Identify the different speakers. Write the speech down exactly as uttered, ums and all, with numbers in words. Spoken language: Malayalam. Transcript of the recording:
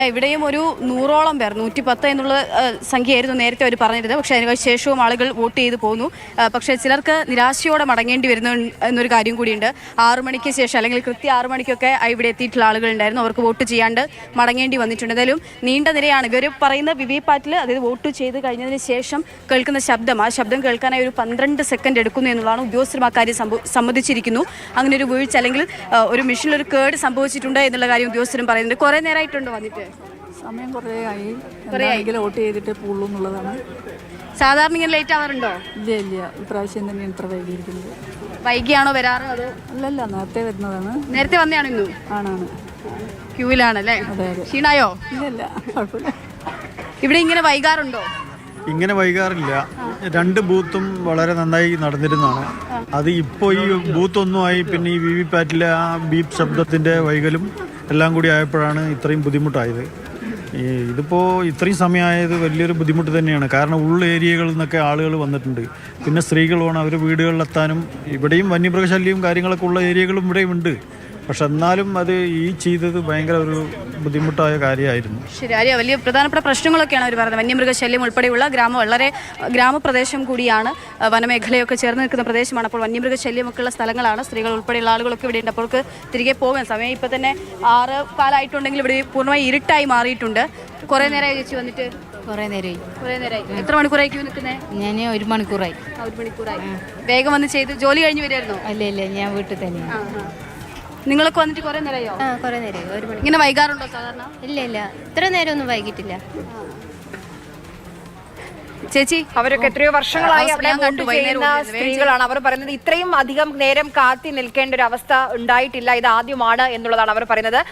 Speaker 1: ഇവിടെയും ഒരു നൂറോളം പേർ നൂറ്റി പത്ത് എന്നുള്ള സംഖ്യയായിരുന്നു നേരത്തെ അവർ പറഞ്ഞിരുന്നത്. പക്ഷേ അതിന് ശേഷവും ആളുകൾ വോട്ട് ചെയ്ത് പോകുന്നു. പക്ഷേ ചിലർക്ക് നിരാശയോടെ മടങ്ങേണ്ടി വരുന്നു എന്നൊരു കാര്യം കൂടിയുണ്ട്. ആറു മണിക്ക് ശേഷം അല്ലെങ്കിൽ കൃത്യം ആറു മണിക്കൊക്കെ ഇവിടെ എത്തിയിട്ടുള്ള ആളുകളുണ്ടായിരുന്നു. അവർക്ക് വോട്ട് ചെയ്യാണ്ട് മടങ്ങേണ്ടി വന്നിട്ടുണ്ട്. എന്തായാലും നീണ്ട നിരയാണ്. ഇവർ പറയുന്ന വി വി പാറ്റിൽ അതായത് വോട്ട് ചെയ്ത് കഴിഞ്ഞതിന് ശേഷം കേൾക്കുന്ന ശബ്ദം, ആ ശബ്ദം കേൾക്കാനായി ഒരു പന്ത്രണ്ട് സെക്കൻഡ് എടുക്കുന്നു എന്നുള്ളതാണ്. ഉദ്യോഗസ്ഥരും ആ കാര്യം സമ്മതിച്ചിരിക്കുന്നു. അങ്ങനെ ഒരു വീഴ്ച അല്ലെങ്കിൽ ഒരു മെഷീനിൽ ഒരു കേട് സംഭവിച്ചിട്ടുണ്ട് എന്നുള്ള കാര്യം ഉദ്യോഗസ്ഥരും പറയുന്നുണ്ട്. കുറേ നേരമായിട്ടുണ്ടോ വന്നിട്ട്?
Speaker 2: സമയം കുറേ ആയി. കുറേ വോട്ട് ചെയ്തിട്ട് പോകുള്ളൂ എന്നുള്ളതാണ്.
Speaker 1: സാധാരണ ഇങ്ങനെ ലേറ്റ് ആവാറുണ്ടോ?
Speaker 2: ഇല്ല ഇല്ല, ഇപ്രാവശ്യം തന്നെ ഇത്ര വൈകിയിരിക്കുന്നത്.
Speaker 1: വൈകിയാണോ വരാറ്? അതോ
Speaker 2: അല്ലല്ല, നേരത്തെ വരുന്നതാണ്.
Speaker 1: നേരത്തെ വന്നെയാണ് ഇന്നു?
Speaker 2: ആണാണ്.
Speaker 1: ക്യൂവിലാണല്ലേ?
Speaker 2: അതെ അതെ.
Speaker 1: ക്ഷീണായോ?
Speaker 2: ഇല്ല, കുഴപ്പമില്ല.
Speaker 1: ഇവിടെ ഇങ്ങനെ വൈകാറുണ്ടോ?
Speaker 3: ഇങ്ങനെ വൈകാറില്ല. രണ്ട് ബൂത്തും വളരെ നന്നായി നടന്നിരുന്നതാണ്. അത് ഇപ്പോൾ ഈ ബൂത്തൊന്നുമായി പിന്നെ ഈ വി വി പാറ്റിലെ ആ ബീപ്പ് ശബ്ദത്തിൻ്റെ വൈകലും എല്ലാം കൂടി ആയപ്പോഴാണ് ഇത്രയും ബുദ്ധിമുട്ടായത്. ഈ ഇതിപ്പോൾ ഇത്രയും സമയമായത് വലിയൊരു ബുദ്ധിമുട്ട് തന്നെയാണ്. കാരണം ഉള്ള ഏരിയകളിൽ നിന്നൊക്കെ ആളുകൾ വന്നിട്ടുണ്ട്. പിന്നെ സ്ത്രീകൾ വേണം അവർ വീടുകളിലെത്താനും. ഇവിടെയും വന്യമൃഗശല്യവും കാര്യങ്ങളൊക്കെ ഉള്ള ഏരിയകളും ഇവിടെയും ഉണ്ട്. പക്ഷെ എന്നാലും അത് ഈ ചെയ്തത് ഭയങ്കര ഒരു ബുദ്ധിമുട്ടായ കാര്യമായിരുന്നു.
Speaker 1: ശരി, ആര്യ, വലിയ പ്രധാനപ്പെട്ട പ്രശ്നങ്ങളൊക്കെയാണ് അവർ പറയുന്നത്. വന്യമൃഗശല്യം ഉൾപ്പെടെയുള്ള ഗ്രാമം വളരെ ഗ്രാമപ്രദേശം കൂടിയാണ്. വനമേഖലയൊക്കെ ചേർന്ന് നിൽക്കുന്ന പ്രദേശമാണ്. അപ്പോൾ വന്യമൃഗശല്യമൊക്കെ ഉള്ള സ്ഥലങ്ങളാണ്. സ്ത്രീകൾ ഉൾപ്പെടെയുള്ള ആളുകളൊക്കെ ഇവിടെ ഉണ്ട്. അപ്പോൾ അവർക്ക് തിരികെ പോകാൻ സമയം ഇപ്പം തന്നെ ആറ് കാലമായിട്ടുണ്ടെങ്കിൽ ഇവിടെ പൂർണ്ണമായി ഇരുട്ടായി മാറിയിട്ടുണ്ട്. കുറേ നേരമായി ചേച്ചി വന്നിട്ട്?
Speaker 4: കുറേ നേരമായി.
Speaker 1: കുറേ നേരമായി. എത്ര മണിക്കൂറായി ക്യൂ നിൽക്കുന്നത്?
Speaker 4: ഞാൻ ഒരു മണിക്കൂറായി.
Speaker 1: ഒരു മണിക്കൂറായി. വേഗം വന്ന് ചെയ്ത് ജോലി കഴിഞ്ഞ് വരുമായിരുന്നോ?
Speaker 4: അല്ല ഇല്ല, ഞാൻ വീട്ടിൽ തന്നെയാണ്.
Speaker 1: നിങ്ങളൊക്കെ വന്നിട്ട് കുറേ നേരമായോ?
Speaker 4: ആ, കുറേ നേരമായി. ഒരു മണി.
Speaker 1: ഇങ്ങനെ വൈകാറുണ്ടോ സാധാരണ?
Speaker 4: ഇല്ല ഇല്ല, ഇത്ര നേരം ഒന്നും വൈകിട്ടില്ല.
Speaker 1: ചേച്ചി,
Speaker 5: അവരൊക്കെ എത്രയോ വർഷങ്ങളായി അവിടെ വോട്ട് ചെയ്യുന്ന സ്ത്രീകളാണ്. അവർ പറയുന്നത് ഇത്രയും അധികം നേരം കാത്തി നിൽക്കേണ്ട ഒരു അവസ്ഥ ഉണ്ടായിട്ടില്ല, ഇത് ആദ്യമാണ് എന്നുള്ളതാണ് അവർ പറയുന്നത്.